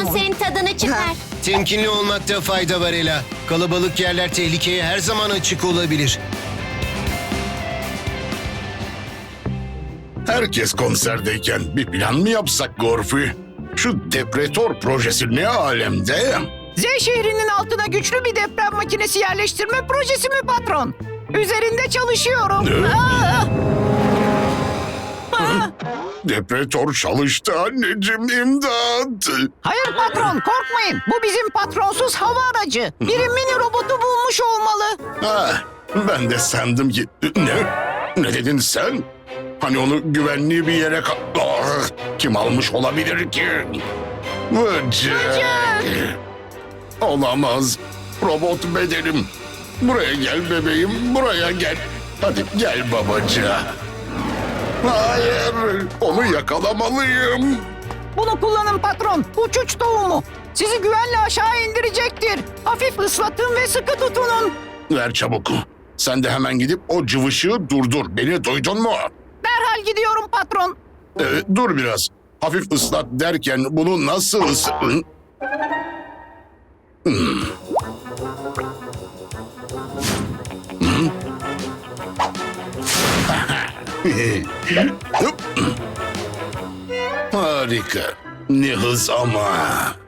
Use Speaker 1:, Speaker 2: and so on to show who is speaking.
Speaker 1: senin tadını çıkar.
Speaker 2: Temkinli olmakta fayda var Ela. Kalabalık yerler tehlikeye her zaman açık olabilir.
Speaker 3: Herkes konserdeyken bir plan mı yapsak Gorfi? Şu depretor projesi ne alemde?
Speaker 4: Z şehrinin altına güçlü bir deprem makinesi yerleştirme projesi mi patron? Üzerinde çalışıyorum.
Speaker 3: Ne?
Speaker 4: Aa!
Speaker 3: Depretor çalıştı anneciğim, imdat.
Speaker 4: Hayır patron, korkmayın. Bu bizim patronsuz hava aracı. Biri mini robotu bulmuş olmalı.
Speaker 3: Ha, ben de sandım ki... Ne? Ne dedin sen? Hani onu güvenli bir yere... Kim almış olabilir ki? Vıcık. Olamaz. Robot bedenim. Buraya gel bebeğim, buraya gel. Hadi gel babacığım. Hayır, onu yakalamalıyım.
Speaker 4: Bunu kullanın patron. Uçuç tohumu. Sizi güvenle aşağı indirecektir. Hafif ıslatın ve sıkı tutunun.
Speaker 3: Ver çabuk. Sen de hemen gidip o cıvışığı durdur. Beni duydun mu?
Speaker 4: Derhal gidiyorum patron.
Speaker 3: Dur biraz. Hafif ıslat derken bunu nasıl Harika. Ne hız ama.